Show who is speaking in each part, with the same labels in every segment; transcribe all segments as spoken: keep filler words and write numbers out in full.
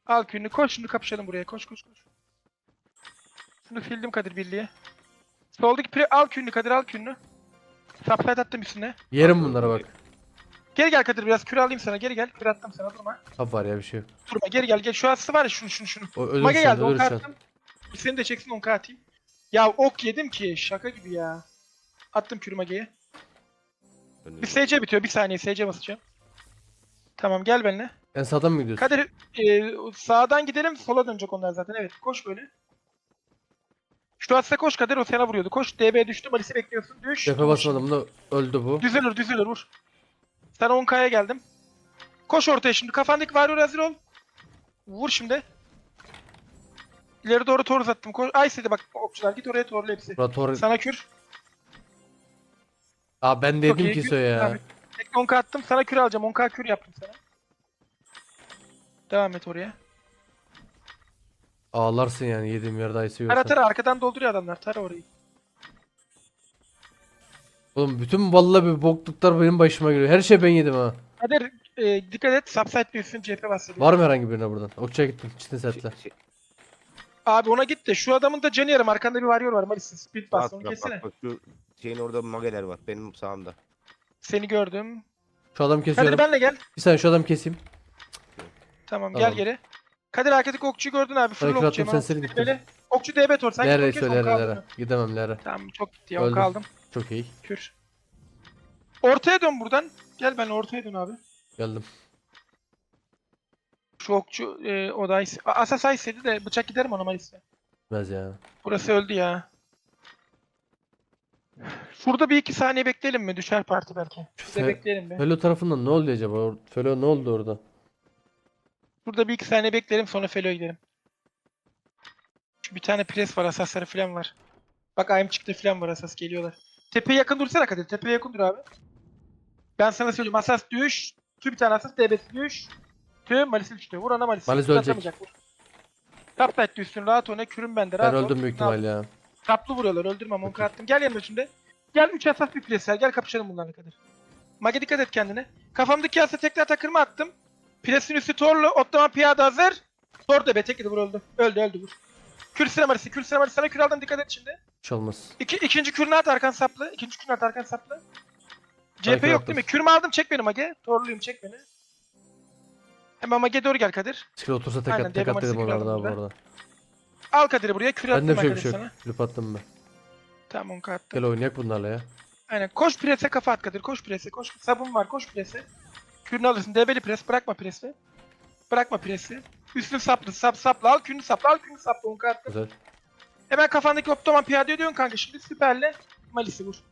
Speaker 1: Al kününü koş şimdi kapışalım buraya. Koş koş koş. Şunu sildim Kadir birliğe. Soldaki pre al kününü Kadir al kününü. Subside attım üstüne.
Speaker 2: Yerim bunlara bak.
Speaker 1: Geri gel Kadir biraz küre alayım sana. Geri gel. Küre attım sana durma.
Speaker 2: Hap var ya bir şey yok.
Speaker 1: Durma geri gel. Gel şu aslı var ya şunu şunu şunu.
Speaker 2: O ölür
Speaker 1: Mage
Speaker 2: şu an,
Speaker 1: geldi
Speaker 2: ölür
Speaker 1: on
Speaker 2: şu an.
Speaker 1: attım. Bir seni de çeksin on atayım. Ya ok yedim ki şaka gibi ya. Attım kürü Mage'ye. Bir S C bitiyor bir saniye S C basacağım. Tamam gel benimle.
Speaker 2: En sağdan mı gidiyorsun?
Speaker 1: Kadir e, sağdan gidelim sola dönecek onlar zaten evet koş böyle. Şu asla koş Kadir o sana vuruyordu. Koş D B'ye düştü Malis'i bekliyorsun. Düş.
Speaker 2: Defe basmadım da öldü bu.
Speaker 1: Düzelir düzelir vur. Sana on K'ya geldim. Koş ortaya şimdi kafandaki Warrior hazır ol. Vur şimdi. İleri doğru tor uzattım. Koş. Ice'de bak okçular git oraya torlu hepsi.
Speaker 2: Rator.
Speaker 1: Sana kür.
Speaker 2: Aa ben
Speaker 1: Çok
Speaker 2: dedim
Speaker 1: iyi,
Speaker 2: ki
Speaker 1: kür.
Speaker 2: söyle ya.
Speaker 1: Abi, tek on K attım sana kür alacağım. on K kür yaptım sana. Devam et oraya.
Speaker 2: Ağlarsın yani yediğim yerde ayısı
Speaker 1: Tara
Speaker 2: görsen.
Speaker 1: tara arkadan dolduruyor adamlar. Tara orayı.
Speaker 2: Oğlum bütün vallahi bir bokluklar benim başıma geliyor. Her şey ben yedim ha.
Speaker 1: Kadir e, dikkat et. Subside üstün cephe bahsediyor.
Speaker 2: Var mı herhangi birine buradan? Okçuya gittim. Çitin setle.
Speaker 3: Şey,
Speaker 1: Abi ona git de şu adamın da canı yarım. Arkanda bir varıyor var. Malis'in speed bas.
Speaker 3: bak,
Speaker 1: Onu
Speaker 3: bak,
Speaker 1: kessene.
Speaker 3: bak, bak, şu şeyin orada mageler var benim sağımda.
Speaker 1: Seni gördüm.
Speaker 2: Şu adam
Speaker 1: Kadir
Speaker 2: kesiyorum.
Speaker 1: benle gel.
Speaker 2: Bir saniye şu adam keseyim.
Speaker 1: Tamam,
Speaker 2: Tamam.
Speaker 1: gel geri. Kadir arkadaki okçuyu gördün abi. Full
Speaker 2: Hareket
Speaker 1: okçu.
Speaker 2: attım, sen seni gittin.
Speaker 1: Böyle. Okçu D B tor. Sen
Speaker 2: Lere
Speaker 1: git onu kes,
Speaker 2: söyle
Speaker 1: on
Speaker 2: lere.
Speaker 1: kaldı.
Speaker 2: Gidemem lere.
Speaker 1: Tamam çok gitti ya. on
Speaker 2: Öldüm.
Speaker 1: kaldım.
Speaker 2: Çok iyi.
Speaker 1: Kür. Ortaya dön buradan. Gel benle ortaya dön abi.
Speaker 2: Geldim.
Speaker 1: Şu okçu e, o da Ice- A- Asas Ice'ydi de bıçak giderim ona Malis'e.
Speaker 2: Bilmez ya.
Speaker 1: Burası öldü ya. Şurada bir iki saniye bekleyelim mi? Düşer parti belki. Şurada
Speaker 2: Fe-
Speaker 1: bekleyelim bir.
Speaker 2: Felo tarafından ne oldu acaba? Or- Felo ne oldu orada?
Speaker 1: Şurada bir iki saniye bekleyelim sonra Felo'ya gidelim. Şu bir tane pres var, asasları falan var. Bak ayım çıktı falan var, asas geliyorlar. Tepeye yakın dursana Kadir. Tepeye yakın dur abi. Ben sana söyleyeyim. Asas düş. Tüm bir tane asas D B'si düş. Tüm Malis'i düştü. Vur ana Malis'i.
Speaker 2: Malis ölecek.
Speaker 1: Atamayacak, vur. Tapside düşsün. Rahat oyna. Kürüm bende.
Speaker 2: Ben
Speaker 1: Rahat ol.
Speaker 2: öldüm büyük ihtimal ya.
Speaker 1: Taplı vuruyorlar. Öldürmem. Onka attım. Gel yanıma şimdi. Gel üç asas bir pres ver. Gel kapışalım bunlarla Kadir. Mage dikkat et kendine. Kafamdaki asa tekrar takırma attım. Presin üstü torlu. Otlama piyade hazır. Tor D B. Tek yedi vur öldü. Öldü öldü vur. Kür sinemarisi. Kür sinemarisi. Sana kür aldım. Dikkat et şimdi.
Speaker 2: Hiç olmaz.
Speaker 1: İki, ikinci kürünü at arkan saplı. İkinci kürünü at arkan saplı. C P
Speaker 2: Harika
Speaker 1: yok
Speaker 2: yaptın.
Speaker 1: değil mi? Kürümü aldım çek beni Mage. Torluyum çek beni. Hemen Mage doğru gel Kadir.
Speaker 2: Skill otursa tek
Speaker 1: Aynen,
Speaker 2: at tek at
Speaker 1: Devil
Speaker 2: dedim
Speaker 1: Maris'i
Speaker 2: onlarda
Speaker 1: aldım
Speaker 2: bu
Speaker 1: burada.
Speaker 2: arada.
Speaker 1: Al Kadir'i buraya. Kür attım
Speaker 2: Bende
Speaker 1: ben
Speaker 2: bir şey
Speaker 1: Kadir
Speaker 2: bir şey
Speaker 1: sana.
Speaker 2: yok. Flip attım ben.
Speaker 1: Tamam onka attım.
Speaker 2: Gel oynayak bunlarla ya.
Speaker 1: Aynen. Koş prese kafa at Kadir. Koş prese. Koş. Sabun var. Koş prese. Kürünü alırsın. Debeli pres. Bırakma presi. Bırakma presi. Üstünü saplı. Sap saplı. Al kürünü saplı. Al kürünü saplı. Onka attım.
Speaker 2: Güzel.
Speaker 1: Hemen kafandaki optoman piyade ediyorsun kanka. Şimdi süperle Malis'i vur.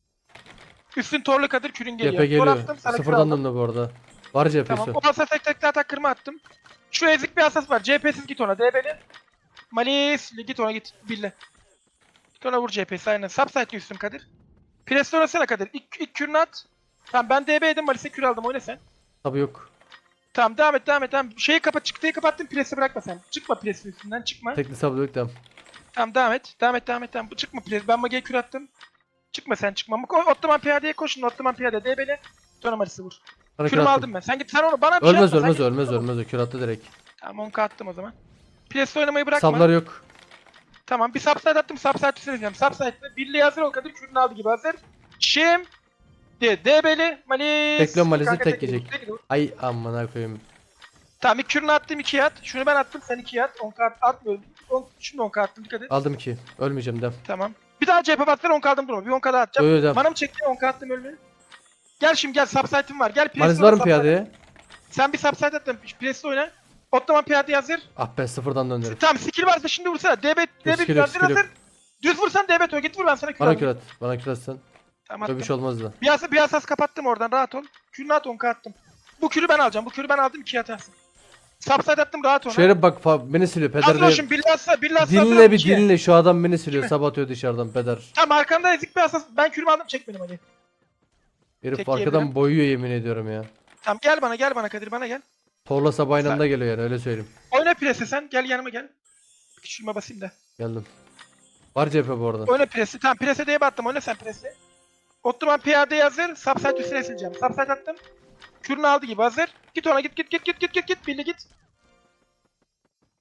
Speaker 1: Üstün torlu Kadir kürün geliyor.
Speaker 2: C P
Speaker 1: Tor
Speaker 2: geliyor.
Speaker 1: attım, sana kür
Speaker 2: Sıfırdan
Speaker 1: aldım.
Speaker 2: döndü bu arada. Var C P'si.
Speaker 1: Tamam. O asas tek tek tak kırma attım. Şu ezik bir asas var. C P'siz git ona. D B'li. Malis git ona git. Bille. Git ona vur C P'si aynen. Subside üstüm Kadir. Pres oynasana Kadir. İlk, ilk kürünü at. Tamam ben D B'ydim. Malis'e kür aldım. Oyna sen.
Speaker 2: Tabii yok.
Speaker 1: Tamam devam et devam et. Tamam. Şeyi kapat. Çıktıyı kapattın. Presi bırakma sen. Çıkma presin üstünden. Çıkma.
Speaker 2: Tekli sablı yok devam.
Speaker 1: Tamam devam et. Devam et devam et. Tamam. Çıkma pres. Ben Mage'ye kür attım. Çıkma sen çıkma. Ko- Ottoman piyadeye koşun. Ottoman piyade. D B'li. Sonra Malis'i vur.
Speaker 2: Bana kür
Speaker 1: Kürümü
Speaker 2: attım.
Speaker 1: aldım ben. Sen git sen onu bana bir şey
Speaker 2: Ölmez
Speaker 1: yapma. Sen
Speaker 2: ölmez
Speaker 1: git,
Speaker 2: ölmez
Speaker 1: tamam.
Speaker 2: ölmez o kür attı direkt.
Speaker 1: Tamam onu attım o zaman. Presle oynamayı bırakma.
Speaker 2: Sablar yok.
Speaker 1: Tamam bir subside attım. Subside üstüne diyeceğim. Subside'de birliği hazır ol Kadir. Kürünü aldı gibi hazır. Şimdi D-B'li Malis.
Speaker 2: Bekliyorum Malis'i,
Speaker 1: Kanka,
Speaker 2: tek
Speaker 1: yedi,
Speaker 2: yiyecek.
Speaker 1: tek yedi.
Speaker 2: Ay amına koyayım.
Speaker 1: Tamam ilk kürünü attım ikiye at. Şunu ben attım sen ikiye at. on kart atmıyorum. on, şimdi on kart attım dikkat et.
Speaker 2: Aldım ki. Ölmeyeceğim devam.
Speaker 1: Tamam. Bir daha C P batsana on kaldım durma. Bir on kadar atacağım.
Speaker 2: Öyle devam.
Speaker 1: Manam çekti on kart attım ölme. Gel şimdi gel subside'im var. Gel
Speaker 2: Malis
Speaker 1: presle
Speaker 2: var
Speaker 1: oyna,
Speaker 2: mı
Speaker 1: subside.
Speaker 2: piyadeye?
Speaker 1: Sen bir subside attın. Presle oyna. Ottoman piyade hazır.
Speaker 2: Ah ben sıfırdan döndürüm.
Speaker 1: Tamam skill varsa şimdi vursana. D B D B
Speaker 2: skill yok,
Speaker 1: hazır
Speaker 2: skill yok.
Speaker 1: hazır. Düz vursan D B to git vur ben sana kür
Speaker 2: Bana
Speaker 1: aldım.
Speaker 2: kür at. Bana kür at sen.
Speaker 1: Tamam
Speaker 2: Böyle
Speaker 1: attım.
Speaker 2: bir şey olmaz da.
Speaker 1: Bir asas, bir asas kapattım oradan rahat ol. Kürünü at on K attım. Bu kürü ben alacağım. Bu kürü ben aldım ikiye atarsın. Subside attım rahat ona.
Speaker 2: Şöyle bak fa- beni siliyor peder
Speaker 1: Hazır ol
Speaker 2: de.
Speaker 1: şimdi billahsa billahsa
Speaker 2: Dinle bir dinle şu adam beni siliyor sabah atıyor dışarıdan peder.
Speaker 1: Tamam arkamda ezik bir asas. Ben kürümü aldım çek benim hadi.
Speaker 2: Herif
Speaker 1: Tek
Speaker 2: arkadan
Speaker 1: yiyebilirim.
Speaker 2: boyuyor yemin ediyorum ya.
Speaker 1: Tamam gel bana gel bana Kadir bana gel.
Speaker 2: Torla sabah aynı
Speaker 1: Sen-
Speaker 2: anda geliyor yani öyle söyleyeyim.
Speaker 1: Oyna presi sen gel yanıma gel. Küçülme basayım da.
Speaker 2: Geldim. Var C P bu arada.
Speaker 1: Oyna presi. Tamam prese diye battım oyna sen presi. Ottoman piyade hazır. Subside üstüne sileceğim. Subside attım. Kürünü aldı gibi hazır. Git ona git git git git git git git. Billy git.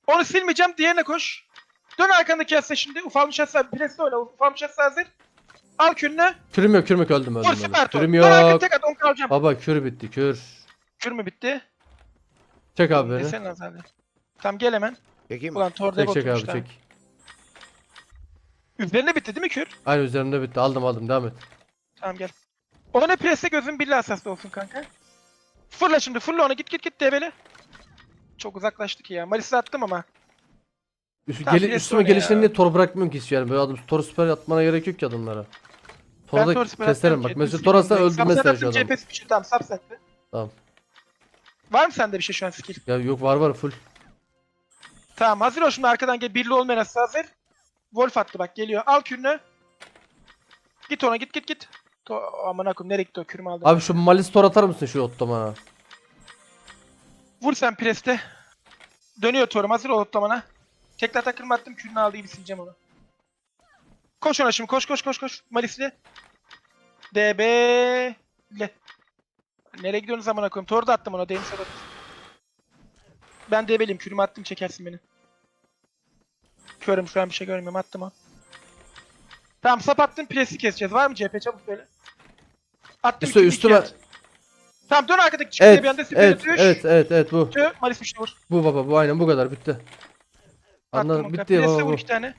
Speaker 1: Onu silmeyeceğim. Diğerine koş. Dön arkandaki yasla şimdi. Ufalmış yasla. Presle oyna. Ufalmış yasla hazır. Al kürünü.
Speaker 2: Kürüm yok, kürüm yok, öldüm
Speaker 1: Vur
Speaker 2: öldüm öldüm.
Speaker 1: süper tor.
Speaker 2: Kürüm
Speaker 1: Dön arkaya
Speaker 2: yok.
Speaker 1: tek at. on kalacağım.
Speaker 2: Baba kür bitti kür.
Speaker 1: Kür mü bitti?
Speaker 2: Çek abi beni.
Speaker 1: Desene az abi. Tamam gel hemen.
Speaker 3: Çekeyim mi?
Speaker 1: Ulan tor
Speaker 2: Çek
Speaker 1: dev
Speaker 2: çek abi
Speaker 1: oturmuş daha.
Speaker 2: çek.
Speaker 1: Üzerinde bitti değil mi kür?
Speaker 2: Aynı üzerimde bitti. Aldım aldım, devam et.
Speaker 1: Tamam gel. Ona presse gözün birli asaslı olsun kanka. Fırla şimdi fırla ona git git git debeli. Çok uzaklaştık ya. Malis'i attım ama.
Speaker 2: Üst,
Speaker 1: Tamam,
Speaker 2: geli,
Speaker 1: birisi
Speaker 2: üstüme
Speaker 1: oyna
Speaker 2: gelişlerini
Speaker 1: ya.
Speaker 2: niye tor bırakmıyorum ki hiç yani. Böyle adım tor süper atmana gerek yok ki adamlara.
Speaker 1: Ben
Speaker 2: Torda
Speaker 1: tor süper
Speaker 2: keserim
Speaker 1: atacağım
Speaker 2: bak.
Speaker 1: ki.
Speaker 2: Mesela
Speaker 1: Düz
Speaker 2: tor atsa
Speaker 1: gidiyorum
Speaker 2: öldüm
Speaker 1: direkt.
Speaker 2: mesela
Speaker 1: Subset
Speaker 2: şu
Speaker 1: attım,
Speaker 2: adam.
Speaker 1: C P S bir şey tamam subsetti.
Speaker 2: Tamam.
Speaker 1: Var mı sende bir şey şu an skill?
Speaker 2: Ya yok, var var full.
Speaker 1: Tamam hazır ol şimdi arkadan gel. Birli olmayan asası hazır. Wolf attı bak geliyor. Al kürünü. Git ona git git git. To aman akım nereye gitti o kürümü aldım.
Speaker 2: Abi şu malis tor atar mısın şu ottomana?
Speaker 1: Vur sen preste. Dönüyor torum hazır ol otlamana. Tekrar takılma attım kürünü aldı gibi sileceğim onu. Koş ona şimdi koş koş koş koş. Malisli. D B ile. Nereye gidiyorsunuz amına koyayım? Tor da attım ona. Deniz Sadat. Ben D B'liyim. Kürümü attım çekersin beni. Körüm şu an bir şey görmüyorum. Attım o. Tamam sap attım. Presi keseceğiz. Var mı C P? Çabuk söyle. Attım
Speaker 2: Üstü,
Speaker 1: kürü
Speaker 2: üstüme.
Speaker 1: ikiye. Tamam dön arkadaki çıkıya
Speaker 2: Evet
Speaker 1: bir anda süper
Speaker 2: evet
Speaker 1: düş.
Speaker 2: evet evet evet bu.
Speaker 1: Tü, Malis bir şey vur.
Speaker 2: Bu baba, bu aynen bu kadar, bitti.
Speaker 1: Attım
Speaker 2: Anladım,
Speaker 1: onu.
Speaker 2: bitti
Speaker 1: Presi
Speaker 2: baba
Speaker 1: vur
Speaker 2: bu.
Speaker 1: iki tane.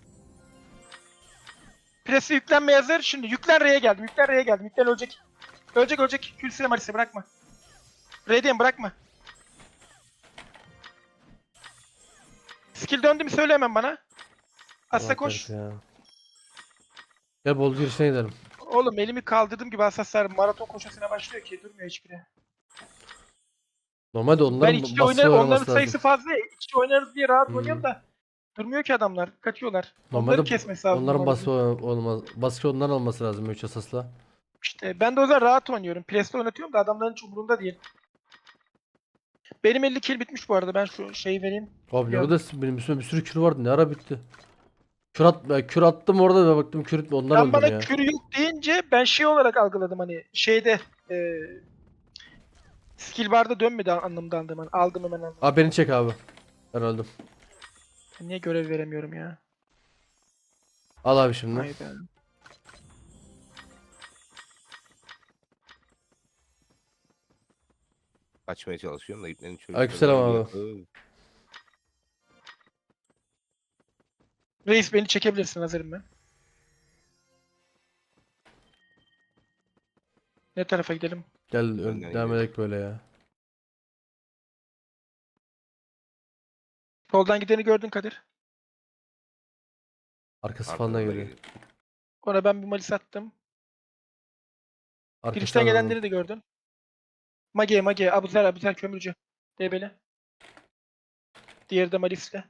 Speaker 1: Presi yüklenmeye hazır. Şimdi yüklen R'ye geldim. Yüklen R'ye geldim. Yüklen ölecek. Ölecek ölecek. Külsüne Malis'e bırakma. R'deyim bırakma. Skill döndü mü söyle hemen bana. Asa
Speaker 2: Allah
Speaker 1: koş.
Speaker 2: kahretsin ya. Gel bol girişine gidelim.
Speaker 1: Oğlum elimi kaldırdığım gibi asaslar maraton koşusuna başlıyor ki durmuyor hiçbiri.
Speaker 2: Normalde
Speaker 1: Ben
Speaker 2: onların
Speaker 1: içi
Speaker 2: baskı
Speaker 1: oynar, onların
Speaker 2: oynaması
Speaker 1: sayısı
Speaker 2: lazım.
Speaker 1: fazla ya. İçi oynarız diye rahat
Speaker 2: Hmm.
Speaker 1: oynuyorum da durmuyor ki adamlar. Kaçıyorlar. Onları
Speaker 2: Normalde
Speaker 1: kesmesi lazım.
Speaker 2: onların
Speaker 1: normalde.
Speaker 2: baskı olmaz. Baskı onların olması lazım üç asasla.
Speaker 1: İşte ben de o zaman rahat oynuyorum. Presle oynatıyorum da adamların hiç umurunda değil. Benim elli kill bitmiş bu arada. Ben şu şeyi vereyim.
Speaker 2: Abi ne
Speaker 1: Ya.
Speaker 2: kadar benim üstümde bir sürü kür vardı, ne ara bitti. Kür, at, ya kür attım orada ve baktım kür ondan
Speaker 1: Sen
Speaker 2: öldüm
Speaker 1: bana
Speaker 2: ya.
Speaker 1: kür yok deyince ben şey olarak algıladım hani şeyde e, skill barda dönmedi anlamda aldım. Hani aldım hemen aldım.
Speaker 2: Abi beni çek abi. Ben öldüm.
Speaker 1: Niye görev veremiyorum ya?
Speaker 2: Al abi şimdi.
Speaker 1: Hayda.
Speaker 3: Açmaya çalışıyorum da iplerin çocukları.
Speaker 2: Aleykümselam abi.
Speaker 3: geliyor.
Speaker 1: Reis beni çekebilirsin hazırım ben. Ne tarafa gidelim?
Speaker 2: Gel ön,
Speaker 3: Önden
Speaker 2: devam
Speaker 3: gidelim.
Speaker 2: edelim böyle ya.
Speaker 1: Soldan gideni gördün Kadir.
Speaker 2: Arkası
Speaker 3: Arkadan
Speaker 2: falan da
Speaker 3: da
Speaker 2: geliyor.
Speaker 3: geliyor.
Speaker 1: Ona ben bir malis attım.
Speaker 2: Arkasından
Speaker 1: Girişten
Speaker 2: aldım.
Speaker 1: gelenleri de gördün. Mage, Mage, Abuzer, Abuzer kömürcü. Debeli. Diğeri de malisle.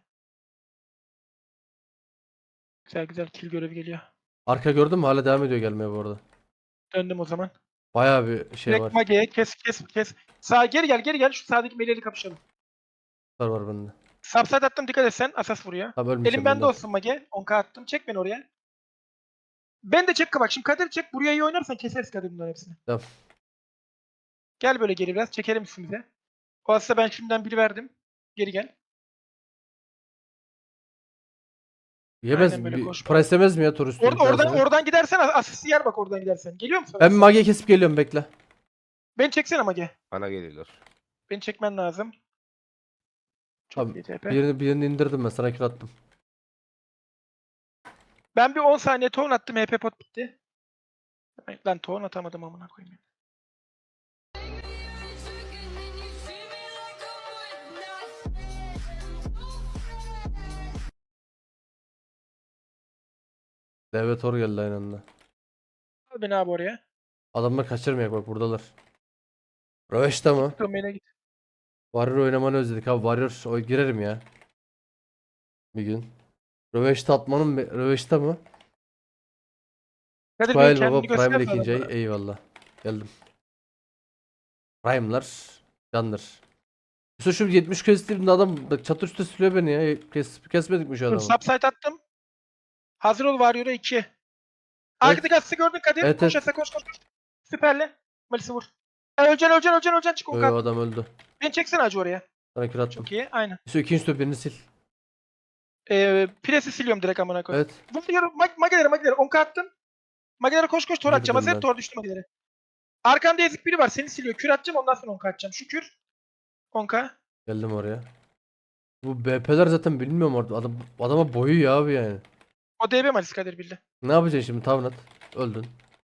Speaker 1: Güzel güzel kill görevi geliyor.
Speaker 2: Arka gördün mü? Hala devam ediyor gelmeye bu arada.
Speaker 1: Döndüm o zaman.
Speaker 2: Bayağı bir şey
Speaker 1: Direkt
Speaker 2: var.
Speaker 1: Mage'ye kes kes kes. Sağa geri gel geri gel şu sağdaki meleğiyle kapışalım.
Speaker 2: Var var bende.
Speaker 1: Subside attım dikkat et sen. Asas vuruyor.
Speaker 2: Abi ölmeyeceğim
Speaker 1: Elim
Speaker 2: ben
Speaker 1: bende
Speaker 2: de.
Speaker 1: olsun Mage. on K attım. Çek beni oraya. Ben de çek bak. Şimdi Kadir çek. Buraya iyi oynarsan keseriz Kadir bunların hepsini.
Speaker 2: Tamam.
Speaker 1: Gel böyle geri biraz. Çekelim üstümüze. O asla ben şimdiden biri verdim. Geri gel.
Speaker 2: Yemez
Speaker 1: Aynen böyle
Speaker 2: mi?
Speaker 1: koş.
Speaker 2: Price yemez mi ya tur üstü?
Speaker 1: Orada, oradan, oradan gidersen asisti yer bak oradan gidersen. Geliyor musun?
Speaker 2: Ben bir mage kesip geliyorum, bekle.
Speaker 1: Beni çeksene Mage.
Speaker 3: Bana geliyorlar.
Speaker 1: Beni çekmen lazım. Çok
Speaker 2: Abi,
Speaker 1: iyi T P.
Speaker 2: Birini, birini indirdim ben, sana kür attım.
Speaker 1: Ben bir on saniye ton attım. H P pot bitti. Ay, lan ton atamadım amına koyayım.
Speaker 2: Devlet tor geldi aynı anda.
Speaker 1: Al beni abi oraya.
Speaker 2: Adamlar kaçırmayak, bak buradalar. Röveşte mı?
Speaker 1: Domain'e git.
Speaker 2: Warrior oynamanı özledik abi. Warrior o girerim ya. Bir gün. Röveşte atmanın mı? Röveşte mı?
Speaker 1: Kadir Bey
Speaker 2: Tuvail
Speaker 1: kendini
Speaker 2: baba Prime
Speaker 1: göster
Speaker 2: ikinci ay.
Speaker 1: bana.
Speaker 2: Eyvallah. Geldim. Prime'lar. Candır. Yusuf şu yetmiş kestiğimde adam bak çatı üstte sürüyor beni ya. Kes, kesmedik mi şu
Speaker 1: Dur
Speaker 2: adamı?
Speaker 1: subsite attım. Hazır ol Warrior'a iki. Arkadaki asısı gördün Kadir.
Speaker 2: Evet,
Speaker 1: koş
Speaker 2: evet.
Speaker 1: asa koş koş koş. Süperle. Malis'i vur. E, öleceksin öleceksin öleceksin öleceksin çık on
Speaker 2: Yo,
Speaker 1: kat.
Speaker 2: yo, adam öldü.
Speaker 1: Beni çeksene acı oraya.
Speaker 2: Sana kür attım.
Speaker 1: Çok iyi aynen.
Speaker 2: Yusuf ikinci top birini sil.
Speaker 1: Ee, Pres'i siliyorum direkt amına koyayım.
Speaker 2: Evet.
Speaker 1: Vuruyorum. Mag Magelere Magelere. On attım. Magelere koş koş tor atacağım.
Speaker 2: Girdim
Speaker 1: Hazır
Speaker 2: ben.
Speaker 1: tor düştü Magelere. Arkamda ezik biri var. Seni siliyor. Kür atacağım ondan sonra on atacağım. Şu kür. on K.
Speaker 2: Geldim oraya. Bu B P'ler zaten bilmiyorum orada. Adam, adama boyu ya abi yani.
Speaker 1: O D B Malisi Kadir bildi.
Speaker 2: Ne yapacaksın şimdi Tavnat? Öldün.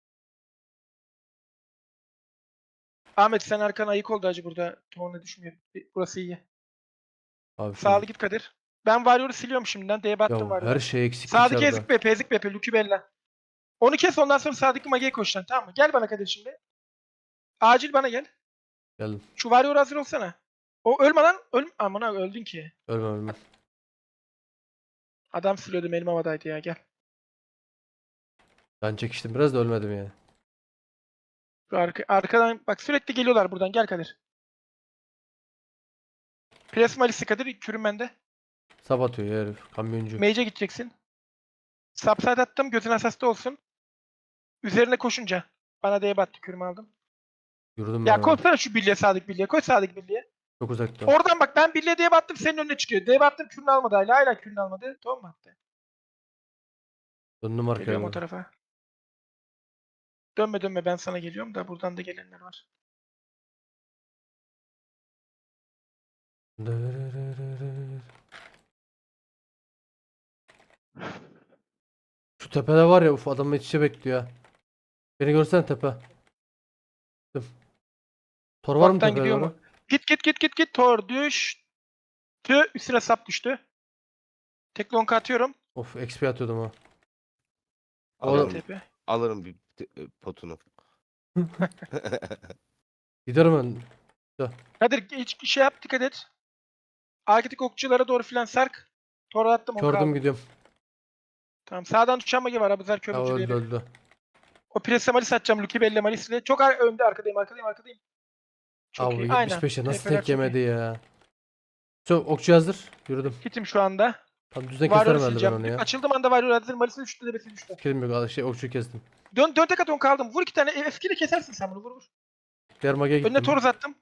Speaker 1: Ahmet sen arkana ayık oldu acı burada. Torna düşmüyor. Burası iyi.
Speaker 2: Abi şu-
Speaker 1: Sağlı git Kadir. Ben Warrior'u siliyorum şimdiden. D'ye battım
Speaker 2: ya her
Speaker 1: Warrior'a.
Speaker 2: şey eksik
Speaker 1: Sağdaki
Speaker 2: içeride.
Speaker 1: ezik Bepe, ezik Bepe, Lucky Bella. Onu kes ondan sonra sağdaki Mage'ye koşacaksın tamam mı? Gel bana Kadir şimdi. Acil bana gel.
Speaker 2: Geldim.
Speaker 1: Şu Warrior hazır olsana. O ölme lan. Öl Amına öldün ki.
Speaker 2: Ölme ölme.
Speaker 1: Adam siliyordum elim havadaydı ya gel.
Speaker 2: Ben çekiştim biraz da ölmedim yani.
Speaker 1: Şu arka, arkadan bak sürekli geliyorlar buradan gel Kadir. Pres Malisi Kadir kürüm bende.
Speaker 2: Sap atıyor ya herif. Kamyoncu.
Speaker 1: Mage'e gideceksin. Subside attım gözün asasta olsun. Üzerine koşunca. Bana D'ye battı kürümü aldım.
Speaker 2: Yürüdüm
Speaker 1: Ya
Speaker 2: ben.
Speaker 1: koşsana şu birliğe sadık birliğe. Koş sadık birliğe.
Speaker 2: Çok uzakta.
Speaker 1: Oradan bak ben birliğe D'ye battım senin önüne çıkıyor. D'ye battım kürünü almadı hala. Hala kürünü almadı. Tamam mı attı?
Speaker 2: Döndüm arkaya.
Speaker 1: Geliyorum o
Speaker 2: ben.
Speaker 1: tarafa. Dönme dönme ben sana geliyorum da buradan da gelenler var.
Speaker 2: Şu tepede var ya uf adam iç içe bekliyor ha. Beni görsene tepe. Dur. Tor var mı
Speaker 1: Bottan
Speaker 2: tepede
Speaker 1: gidiyor
Speaker 2: doğru?
Speaker 1: mu? Git git git git git. Tor düştü. Üstüne sap düştü. Tek lonka atıyorum.
Speaker 2: Of X P atıyordum ha.
Speaker 3: Alırım,
Speaker 2: Oğlum.
Speaker 1: Tepe.
Speaker 3: alırım bir te- e, potunu.
Speaker 2: Giderim ben.
Speaker 1: Kadir hiç şey yap dikkat et. Arkadaki okçulara doğru filan sark. Tor attım on
Speaker 2: Kördüm
Speaker 1: kaldı.
Speaker 2: gidiyorum.
Speaker 1: Tamam sağdan düşen magi var. Abuzar kör
Speaker 2: Ha
Speaker 1: ucu
Speaker 2: öldü
Speaker 1: diye.
Speaker 2: öldü.
Speaker 1: O presse malis atacağım. Lucky Belle malisle. Çok ar- önde arkadayım arkadayım arkadayım. Çok
Speaker 2: Abi
Speaker 1: iyi.
Speaker 2: yetmiş
Speaker 1: Aynen.
Speaker 2: beşe nasıl
Speaker 1: Tepeler
Speaker 2: tek
Speaker 1: çok iyi.
Speaker 2: yemedi ya. Çok okçu hazır. Yürüdüm.
Speaker 1: Hitim şu anda.
Speaker 2: Tam düzden
Speaker 1: Warrior'ı
Speaker 2: keserim herhalde ben
Speaker 1: sileceğim.
Speaker 2: onu ya.
Speaker 1: Açıldım anda Warrior hazır. Malis'e düştü debesi düştü.
Speaker 2: Kedim yok şey okçuyu kestim.
Speaker 1: Dön, dön tek aton kaldım. Vur iki tane. Eskiyle kesersin sen bunu. Vur vur.
Speaker 2: Diğer magaya gittim.
Speaker 1: Önüne tor uzattım.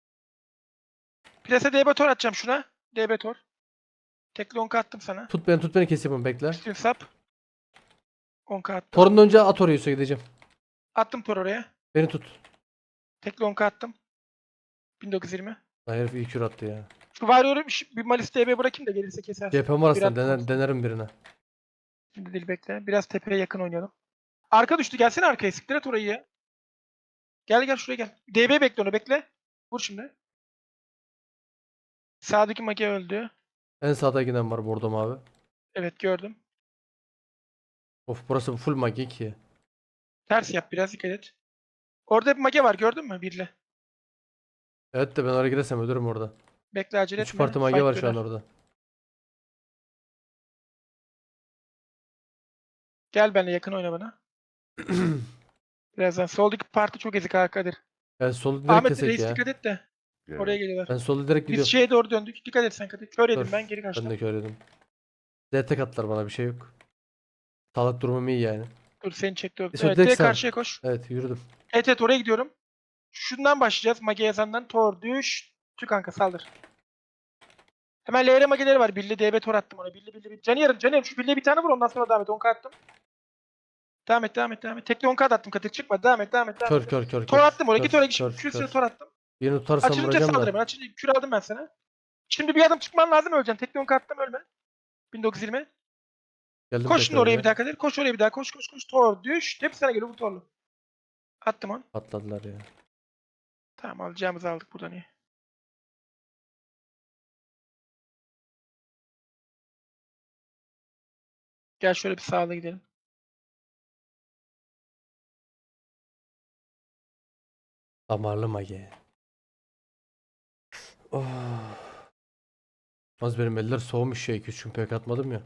Speaker 1: Plase D B tor atacağım şuna. D B tor. Tekli on K attım sana.
Speaker 2: Tut beni tut beni keseyim onu bekle.
Speaker 1: Üstün sap. on K attım.
Speaker 2: Torun önce at oraya Yusuf'a gideceğim.
Speaker 1: Attım tor oraya.
Speaker 2: Beni tut.
Speaker 1: Tekli on K attım. bin dokuz yüz yirmi.
Speaker 2: Lan herif iyi kür attı ya.
Speaker 1: Şu Warrior'u bir, bir Malis D B bırakayım da gelirse kesersin.
Speaker 2: C P M var aslında
Speaker 1: Bir
Speaker 2: dener,
Speaker 1: attım.
Speaker 2: denerim birine.
Speaker 1: Şimdi değil bekle. Biraz tepeye yakın oynayalım. Arka düştü. Gelsene arkaya. Siktir et orayı ya. Gel gel şuraya gel. D B bekle onu bekle. Vur şimdi. Sağdaki mage öldü.
Speaker 2: En sağda giden var bordo mavi.
Speaker 1: Evet gördüm.
Speaker 2: Of burası full magi ki.
Speaker 1: Ters yap biraz dikkat et. Orada bir mage var gördün mü? Birle.
Speaker 2: Evet de ben oraya gidersem ölürüm orada.
Speaker 1: Bekle acele
Speaker 2: üç
Speaker 1: etme.
Speaker 2: parti magi
Speaker 1: Fight
Speaker 2: var şu an
Speaker 1: döner.
Speaker 2: orada.
Speaker 1: Gel benimle yakın oyna bana. Birazdan. Soldaki parti çok ezik Kadir.
Speaker 2: Ben solu direkt
Speaker 1: Ahmet
Speaker 2: kesek
Speaker 1: reis
Speaker 2: ya.
Speaker 1: dikkat et de. Oraya geliyorlar.
Speaker 2: Ben solu direkt
Speaker 1: Biz
Speaker 2: gidiyorum.
Speaker 1: şeye doğru döndük. Dikkat et sen Kadir. Kör yedim
Speaker 2: Dur,
Speaker 1: ben geri
Speaker 2: Ben
Speaker 1: kaçtım.
Speaker 2: de kör yedim. Z tek attılar bana bir şey yok. Sağlık durumum iyi yani.
Speaker 1: Dur seni çekti.
Speaker 2: E, sonra
Speaker 1: Evet
Speaker 2: direkt
Speaker 1: direkt
Speaker 2: sağ.
Speaker 1: karşıya koş.
Speaker 2: Evet yürüdüm.
Speaker 1: Evet evet oraya gidiyorum. Şundan başlayacağız. Mage yazandan. Tor düş. Tü kanka saldır. Hemen L R mageleri var. Billi D B tor attım ona. Billi billi billi. Canı yarım canı yarım. Şu Billi'ye bir tane vur ondan sonra devam et. on K attım. Devam et devam et devam et. Tekli on K attım. Kadir çıkma. Devam et devam et. Devam
Speaker 2: Kör
Speaker 1: et.
Speaker 2: kör kör
Speaker 1: Tor
Speaker 2: kör.
Speaker 1: attım oraya.
Speaker 2: Kör,
Speaker 1: Git oraya git.
Speaker 2: kör,
Speaker 1: Şu
Speaker 2: kör.
Speaker 1: tor attım.
Speaker 2: Birini tutarsam
Speaker 1: Açılınca
Speaker 2: vuracağım
Speaker 1: saldır
Speaker 2: da.
Speaker 1: hemen. Açılınca kür aldım ben sana. Şimdi bir adım çıkman lazım öleceksin. Tekli on K attım ölme. bin dokuz yüz yirmi.
Speaker 2: Geldim
Speaker 1: Koş şimdi
Speaker 2: tekrar
Speaker 1: oraya
Speaker 2: ya.
Speaker 1: bir daha Kadir. Koş oraya bir daha. Koş koş koş. Tor düş. Hepsi sana geliyor. Vur torlu. Attım onu.
Speaker 2: Patladılar ya.
Speaker 1: Tamam alacağımızı aldık buradan iyi. Gel şöyle bir sağla gidelim.
Speaker 2: Damarlı magi. Oh. Az benim eller soğumuş ya. iki üç gün pek atmadım ya.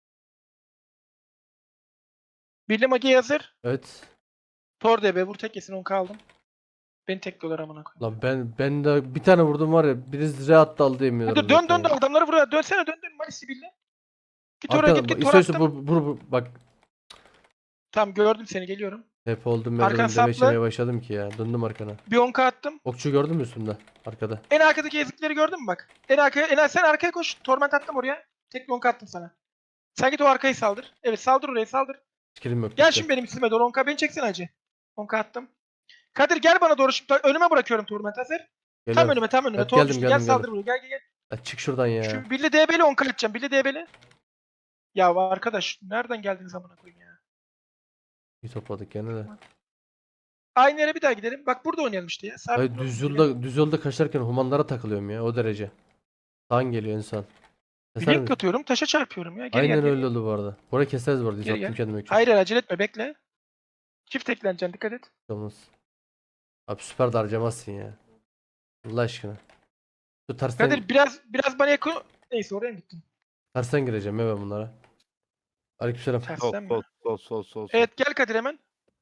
Speaker 1: Birli mage hazır.
Speaker 2: Evet.
Speaker 1: Tor D B vur tek yesin on kaldım. Beni tekliyorlar amına koyayım.
Speaker 2: Lan ben ben de bir tane vurdum var ya. Birisi reat daldı yemiyorlar.
Speaker 1: Hadi dön dön dön adamları vur. Dönsene dön dön Malisi birli. Git oraya
Speaker 2: Arkada
Speaker 1: git git tor
Speaker 2: istiyorsa
Speaker 1: attım.
Speaker 2: bu, bu, bu bak
Speaker 1: Tamam gördüm seni geliyorum.
Speaker 2: hep oldum ben
Speaker 1: Arkan
Speaker 2: önünde
Speaker 1: saplı.
Speaker 2: beşemeye başladım ki ya. Döndüm arkana.
Speaker 1: Bir on K attım.
Speaker 2: Okçu gördün mü üstümde? Arkada.
Speaker 1: En arkadaki ezikleri gördün mü bak? En arkaya en sen arkaya koş. Torment attım oraya. Tek onka attım sana. Sen git o arkayı saldır. Evet saldır orayı saldır.
Speaker 2: Skillim yok.
Speaker 1: Gel
Speaker 2: bitti.
Speaker 1: şimdi benim üstüme doğru onka. Beni çeksin hacı. Onka attım. Kadir gel bana doğru şimdi. Önüme bırakıyorum Torment hazır. Tam
Speaker 2: Geliyorum.
Speaker 1: önüme tam önüme.
Speaker 2: Evet,
Speaker 1: Tor
Speaker 2: geldim,
Speaker 1: düştü.
Speaker 2: geldim,
Speaker 1: Gel saldır
Speaker 2: geldim.
Speaker 1: buraya. Gel gel gel.
Speaker 2: Ya çık şuradan ya.
Speaker 1: Şu Billy D B'li onka atacağım. Billy D B'li. Ya arkadaş nereden geldiniz amına koyayım ya.
Speaker 2: İyi topladık gene de.
Speaker 1: Aynı yere bir daha gidelim. Bak burada oynayalım işte ya. Sabit
Speaker 2: Hayır,
Speaker 1: duralım
Speaker 2: düz
Speaker 1: burada, gel.
Speaker 2: yolda düz yolda kaçarken humanlara takılıyorum ya o derece. Sağın geliyor insan. Keser
Speaker 1: Blink
Speaker 2: misin?
Speaker 1: atıyorum. Taşa çarpıyorum ya. Geri
Speaker 2: Aynen
Speaker 1: gel, geri
Speaker 2: öyle
Speaker 1: gel.
Speaker 2: oldu bu arada. Burayı keseriz bu arada.
Speaker 1: Geri
Speaker 2: Attım
Speaker 1: gel.
Speaker 2: kendime öküz.
Speaker 1: Hayır hayır, acele etme bekle. Çift ekleneceksin dikkat et.
Speaker 2: Olmaz. Abi süper de harcamazsın ya. Allah aşkına. Şu tersten,
Speaker 1: Kadir biraz biraz bana yakın. Neyse oraya mı gittin?
Speaker 2: tersten gireceğim ya ben bunlara. Aleykümselam.
Speaker 3: Sol
Speaker 1: Tersten mi?
Speaker 3: sol sol sol sol. sol.
Speaker 1: Evet gel Kadir hemen.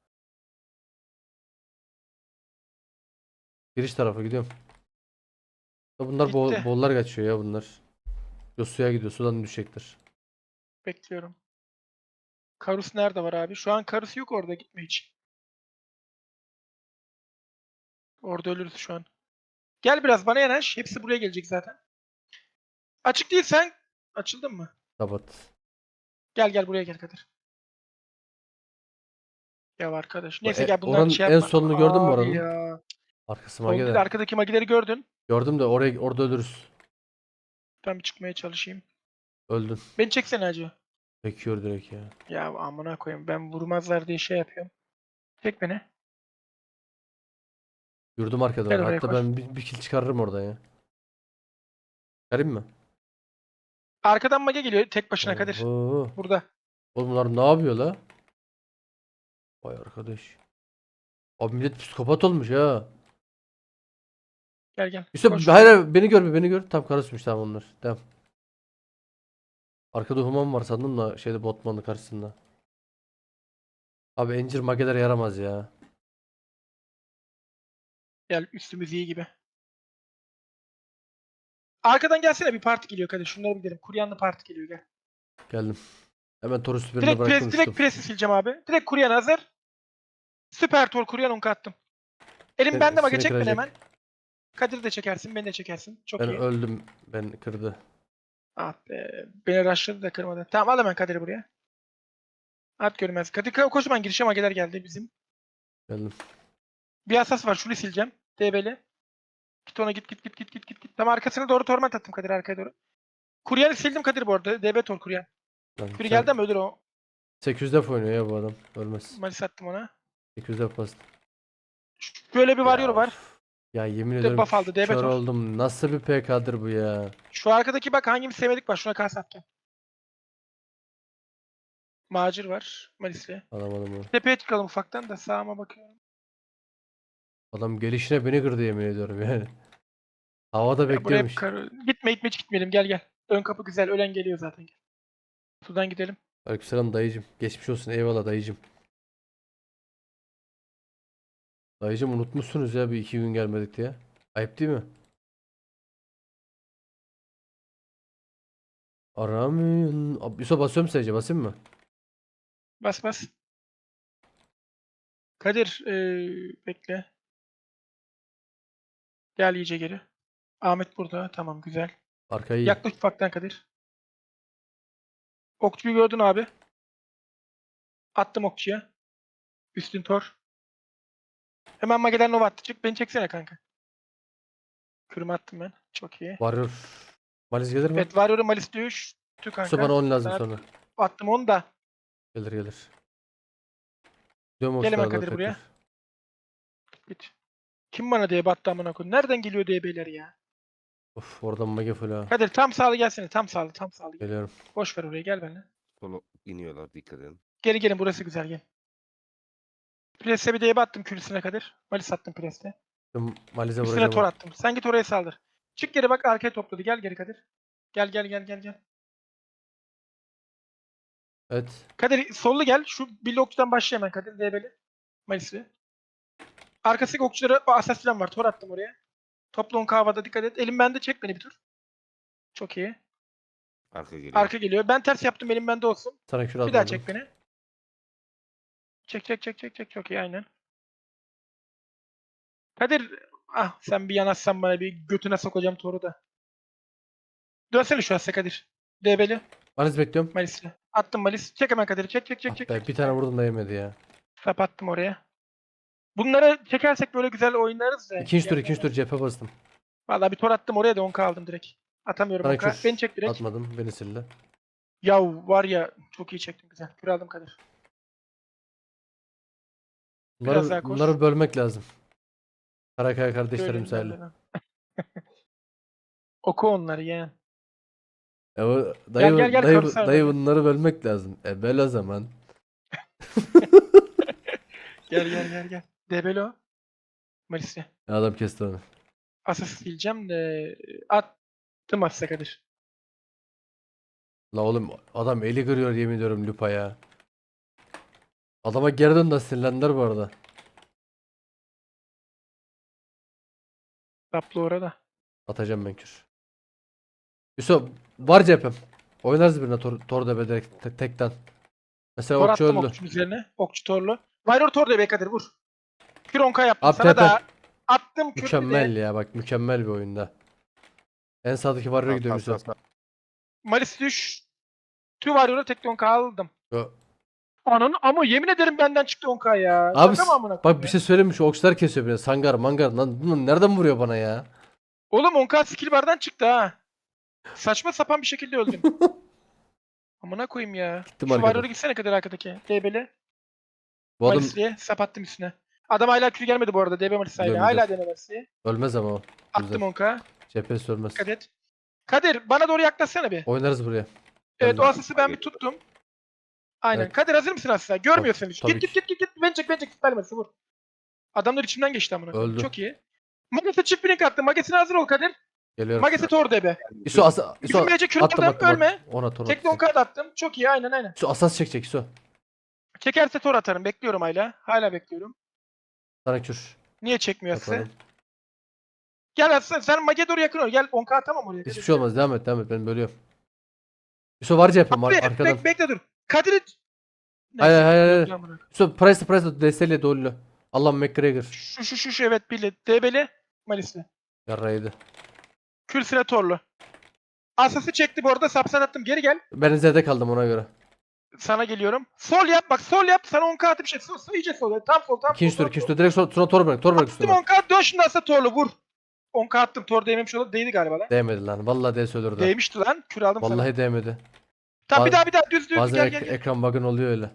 Speaker 2: Giriş tarafa gidiyorum. Ya bunlar bol,
Speaker 1: Gitti.
Speaker 2: bollar kaçıyor ya bunlar. Yo suya gidiyor. Sudan düşecektir.
Speaker 1: Bekliyorum. Karus nerede var abi? Şu an Karus yok orada. Gitme hiç. Orada ölürüz şu an. Gel biraz bana yanaş. Hepsi buraya gelecek zaten. Açık değil sen. Açıldın mı?
Speaker 2: Kapat.
Speaker 1: Gel gel buraya gel Kadir. Ya arkadaş.
Speaker 2: Bu
Speaker 1: Neyse
Speaker 2: e-
Speaker 1: gel bunların
Speaker 2: oranın
Speaker 1: şey
Speaker 2: en
Speaker 1: yapma.
Speaker 2: sonunu gördün mü
Speaker 1: Abi
Speaker 2: oranın?
Speaker 1: ya.
Speaker 2: Arkası
Speaker 1: Son bir de
Speaker 2: magede.
Speaker 1: arkadaki magileri gördün.
Speaker 2: Gördüm de oraya orada ölürüz.
Speaker 1: Ben bir çıkmaya çalışayım.
Speaker 2: Öldün.
Speaker 1: Beni çeksene hacı.
Speaker 2: Bekiyor direkt ya.
Speaker 1: Ya amına koyayım. Ben vurmazlar diye şey yapıyorum. Çek beni.
Speaker 2: Yurdum arkada
Speaker 1: Gel
Speaker 2: var.
Speaker 1: oraya
Speaker 2: Hatta
Speaker 1: koş.
Speaker 2: ben bir, bir kill çıkarırım oradan ya. Çıkarayım mı?
Speaker 1: Arkadan mage geliyor tek başına Kadir.
Speaker 2: Oho.
Speaker 1: Burada.
Speaker 2: Oğlum bunlar ne yapıyor la? Vay arkadaş. Abi millet psikopat olmuş ha.
Speaker 1: Gel gel.
Speaker 2: Yusuf
Speaker 1: Koş.
Speaker 2: hayır, hayır beni gör beni gör. Tam karışmış tamam onlar. Tamam. Arkada human var sandım da şeyde botmanın karşısında. Abi encir mageler yaramaz ya.
Speaker 1: Gel üstümüz iyi gibi. Arkadan gelsene bir parti geliyor Kadir. Şunları bir gidelim. Kuryanlı parti geliyor gel.
Speaker 2: Geldim. Hemen Torus birine
Speaker 1: Direkt
Speaker 2: bıraktım
Speaker 1: pres,
Speaker 2: uçtum.
Speaker 1: direkt presi sileceğim abi. Direkt kuryan hazır. Süper tor kuryan onka attım. Elim
Speaker 2: Seni-
Speaker 1: bende mage
Speaker 2: seni
Speaker 1: çek beni
Speaker 2: kıracak.
Speaker 1: hemen. Kadir de çekersin, beni de çekersin. Çok
Speaker 2: Ben
Speaker 1: iyi.
Speaker 2: öldüm. Ben kırdı.
Speaker 1: Ah be. Beni rushladı da kırmadı. Tamam al hemen Kadir'i buraya. At görmez. Kadir kocaman girişe mageler geldi bizim.
Speaker 2: Geldim.
Speaker 1: Bir asas var. Şunu sileceğim. D B'li. Git ona git git git git git git. git. Tam arkasına doğru torment attım Kadir arkaya doğru. Kuryan'ı sildim Kadir bu arada. D B tor kuryan.
Speaker 2: Lan
Speaker 1: Biri
Speaker 2: sen
Speaker 1: geldi ama ölür o.
Speaker 2: sekiz yüz def oynuyor ya bu adam. Ölmez.
Speaker 1: Malis attım ona.
Speaker 2: sekiz yüz def bastı.
Speaker 1: Şöyle bir varıyor
Speaker 2: Ya
Speaker 1: var.
Speaker 2: of. Ya yemin
Speaker 1: de
Speaker 2: ederim
Speaker 1: buff aldı, D B
Speaker 2: kör
Speaker 1: tor.
Speaker 2: oldum. Nasıl bir P K'dır bu ya?
Speaker 1: Şu arkadaki bak hangimiz sevmedik var. Şuna kas attım. Macir var. Malis'le.
Speaker 2: Alamadım onu.
Speaker 1: Tepeye çıkalım ufaktan da sağıma bakıyorum.
Speaker 2: Adam gelişine beni kırdı yemin ediyorum yani. Havada
Speaker 1: Ya buraya
Speaker 2: bekliyormuş.
Speaker 1: hep kar... Gitme gitme hiç gitmeyelim gel gel. Ön kapı güzel. Ölen geliyor zaten. Gel. Sudan gidelim.
Speaker 2: Aleykümselam dayıcım. Geçmiş olsun eyvallah dayıcım. Dayıcım unutmuşsunuz ya bir iki gün gelmedik diye. Ayıp değil mi? Aramın. Abi, Yusuf basıyorum sadece basayım mı?
Speaker 1: Bas bas. Kadir ee, bekle. Gel iyice geri. Ahmet burada. Tamam güzel.
Speaker 2: Arkayı iyi.
Speaker 1: Yaklaş ufaktan Kadir. Okçuyu gördün abi. Attım okçuya. Üstün tor. Hemen Mageler Nova attı. Çık beni çeksene kanka. Kürümü attım ben. Çok iyi.
Speaker 2: Varıyor. Maliz gelir mi?
Speaker 1: Evet Warrior'ı Malis düştü
Speaker 2: Yusuf bana
Speaker 1: kanka.
Speaker 2: on lazım
Speaker 1: Sana
Speaker 2: sonra.
Speaker 1: attım onu da.
Speaker 2: Gelir gelir. Gidiyorum
Speaker 1: Gel hemen
Speaker 2: okçulara doğru
Speaker 1: Kadir buraya.
Speaker 2: tekrar.
Speaker 1: Git. Kim bana D B attı amına koyayım? Nereden geliyor D B'ler ya?
Speaker 2: Of oradan mage full ha.
Speaker 1: Kadir tam sağlı gelsene. Tam sağlı, tam sağlı.
Speaker 2: Geliyorum.
Speaker 1: Boş ver oraya gel benimle.
Speaker 3: Sola iniyorlar dikkat edin.
Speaker 1: Geri gelin burası güzel gel. Pres'e bir D B attım kürsüne Kadir. Malis attım Pres'te.
Speaker 2: Şimdi Maliz'e
Speaker 1: Üstüne
Speaker 2: vuracağım.
Speaker 1: tor
Speaker 2: ha.
Speaker 1: attım. Sen git oraya saldır. Çık geri bak arkaya topladı. Gel geri Kadir. Gel gel gel gel gel.
Speaker 2: Evet.
Speaker 1: Kadir sollu gel. Şu Billy okçudan başla hemen Kadir. D B'li. Malis'i. Arkasındaki okçulara o asas falan var. Tor attım oraya. Topla on havada dikkat et. Elim bende çek beni bir tur. Çok iyi.
Speaker 3: Arka geliyor.
Speaker 1: Arka geliyor. Ben ters yaptım elim bende olsun.
Speaker 2: Sana kür
Speaker 1: Bir daha
Speaker 2: atmadım.
Speaker 1: çek beni. Çek çek çek çek çek. Çok iyi aynen. Kadir ah sen bir yanaşsan bana bir götüne sokacağım toru da. Dönsene şu Asya Kadir. Debeli.
Speaker 2: Malis bekliyorum.
Speaker 1: Malis'le. Attım Malis. Çek hemen Kadir'i. Çek çek çek
Speaker 2: Ah
Speaker 1: çek.
Speaker 2: be,
Speaker 1: çek.
Speaker 2: bir tane vurdum da yemedi ya.
Speaker 1: Sap attım oraya. Bunları çekersek böyle güzel oynarız da.
Speaker 2: İkinci tur
Speaker 1: Yani-
Speaker 2: ikinci tur cephe bastım.
Speaker 1: Vallahi bir tor attım oraya da on k aldım direkt. Atamıyorum
Speaker 2: Sana
Speaker 1: on k.
Speaker 2: kür
Speaker 1: Beni çek direkt.
Speaker 2: atmadım. Beni sildi.
Speaker 1: Ya var ya çok iyi çektim güzel. Kür aldım Kadir. Biraz
Speaker 2: Bunları,
Speaker 1: daha koş.
Speaker 2: bunları bölmek lazım. Karakaya kardeşlerim
Speaker 1: Böyle
Speaker 2: misali.
Speaker 1: ilerle. Oku onları yani.
Speaker 2: E o, dayı,
Speaker 1: gel, gel,
Speaker 2: dayı,
Speaker 1: karısar
Speaker 2: dayı
Speaker 1: beni.
Speaker 2: bunları bölmek lazım. E bel o zaman.
Speaker 1: Gel gel gel gel. Debelo. Malis'le.
Speaker 2: Adam kesti onu.
Speaker 1: Asas sileceğim de attım Asas'a Kadir.
Speaker 2: La oğlum adam eli kırıyor yemin ediyorum Lupa ya. Adama geri dön de sinirlendiler bu arada.
Speaker 1: Taplı orada.
Speaker 2: Atacağım ben kür. Yusuf var cephem. Oynarız birine tor, tor debe direkt te- tekten. Mesela
Speaker 1: Tor
Speaker 2: okçu
Speaker 1: attım
Speaker 2: öldü.
Speaker 1: okçunun üzerine. Okçu torlu. Varyor tor da be Kadir vur. Kür on k yaptım
Speaker 2: Abi
Speaker 1: sana
Speaker 2: tepe.
Speaker 1: da. Attım kür
Speaker 2: Mükemmel
Speaker 1: bir de.
Speaker 2: ya bak mükemmel bir oyunda. En sağdaki varıyor
Speaker 3: Sağ,
Speaker 2: gidiyor
Speaker 3: sağ,
Speaker 2: Yusuf.
Speaker 3: sağ, sağ.
Speaker 1: Malis düş. Tüm Varyor'a tek on k aldım.
Speaker 2: Yo.
Speaker 1: Ananı ama yemin ederim benden çıktı on k ya.
Speaker 2: Abi
Speaker 1: Şaka mı amına
Speaker 2: bak
Speaker 1: koyayım
Speaker 2: bir
Speaker 1: ya?
Speaker 2: şey söyleyeyim mi? Şu okçular kesiyor beni. Sangar mangar. Lan bunlar nereden vuruyor bana ya?
Speaker 1: Oğlum on k skill bardan çıktı ha. Saçma sapan bir şekilde öldüm. Amına koyayım ya.
Speaker 2: Gittim
Speaker 1: Şu
Speaker 2: arkadan.
Speaker 1: Varyor'a gitsene Kadir arkadaki. D B'li.
Speaker 2: Bu adam
Speaker 1: Malisli'ye sap attım üstüne. Adam hala kür gelmedi bu arada. D B Malis hala.
Speaker 2: Biliyorum,
Speaker 1: Hala
Speaker 2: biliyorum.
Speaker 1: dene Malisli'ye.
Speaker 2: ölmez ama o.
Speaker 1: Attım
Speaker 2: Güzel.
Speaker 1: on k.
Speaker 2: Cephesi ölmez.
Speaker 1: Dikkat et. Kadir bana doğru yaklaşsana bir.
Speaker 2: Oynarız buraya.
Speaker 1: Evet
Speaker 2: Geldim.
Speaker 1: o asası ben bir tuttum. Aynen.
Speaker 2: Evet.
Speaker 1: Kadir hazır mısın asla? Görmüyor
Speaker 2: Tabii-
Speaker 1: seni. Git
Speaker 2: tabii
Speaker 1: git
Speaker 2: ki.
Speaker 1: git git git. Ben çek ben çek. Süpermesi vur. Adamlar içimden geçti amına koyayım.
Speaker 2: Öldü.
Speaker 1: Çok iyi. Mages'e çift blink attım. Mages'ine hazır ol Kadir.
Speaker 2: Geliyorum.
Speaker 1: Mages'e tor D B.
Speaker 2: İso asa İso
Speaker 1: Bizim Mece kür
Speaker 2: attım
Speaker 1: aldım,
Speaker 2: attım.
Speaker 1: ölme.
Speaker 2: attım. Ona tor
Speaker 1: Tek on k da attım. Çok iyi aynen aynen.
Speaker 2: İso asas çekecek İso.
Speaker 1: Çekerse tor atarım. Bekliyorum hala. Hala bekliyorum.
Speaker 2: Sana kür.
Speaker 1: Niye çekmiyor Aslı?
Speaker 2: Atarım.
Speaker 1: Gel Aslı sen Mage doğru yakın ol. Gel on k atamam oraya.
Speaker 2: Hiçbir şey olmaz. Devam et devam et. Ben bölüyorum. İso var cephim ar-
Speaker 1: Abi,
Speaker 2: arkadan.
Speaker 1: bek, bekle dur. Kadir'i...
Speaker 2: Hayır,
Speaker 1: Neyse,
Speaker 2: hayır, hayır.
Speaker 1: amına koyayım.
Speaker 2: İso price price desteğiyle dollu. Allah McGregor.
Speaker 1: Şu şu şu şu evet Billy. D B'li. Malisli.
Speaker 2: Yarraydı.
Speaker 1: Külsüne torlu. Asası çekti bu arada. Sapsan attım. Geri gel.
Speaker 2: Ben Z'de kaldım ona göre.
Speaker 1: Sana geliyorum. Sol yap bak. Sol yap. Sana on k atı bir şey. Sol, sol iyice sol. Tam sol. Tam
Speaker 2: İkinci
Speaker 1: sol.
Speaker 2: tur ikinci tur. Direkt sonra tor, tor bırak. Tor bırak
Speaker 1: Attım
Speaker 2: üstüne.
Speaker 1: on k. Dön şimdi Aslı torlu. Vur. on k attım. Tor değmemiş olur. Değdi galiba lan.
Speaker 2: Değmedi lan. Vallahi DS ölürdü.
Speaker 1: Değmişti lan. Kür aldım sana.
Speaker 2: Vallahi değmedi.
Speaker 1: Tamam bir
Speaker 2: Baz-
Speaker 1: daha bir daha düz düz.
Speaker 2: Bazen
Speaker 1: Gel
Speaker 2: ek-
Speaker 1: gel gel.
Speaker 2: ekran bug'ın oluyor öyle.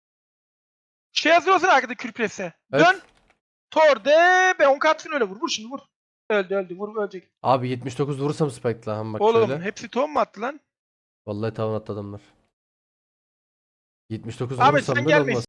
Speaker 1: Şey hazır olsana arkada kür presi.
Speaker 2: Evet.
Speaker 1: Dön. Tor de be on k atsın öyle vur. Vur şimdi vur. Öldü öldü. Vur ölecek.
Speaker 2: Abi yetmiş dokuz vurursam spike'la ham bak
Speaker 1: Oğlum
Speaker 2: şöyle.
Speaker 1: hepsi ton mu attı lan?
Speaker 2: Vallahi tavan attı adamlar. yetmiş dokuz
Speaker 1: Ahmet,
Speaker 2: vurursam
Speaker 1: sen
Speaker 2: böyle
Speaker 1: gelme
Speaker 2: olmaz.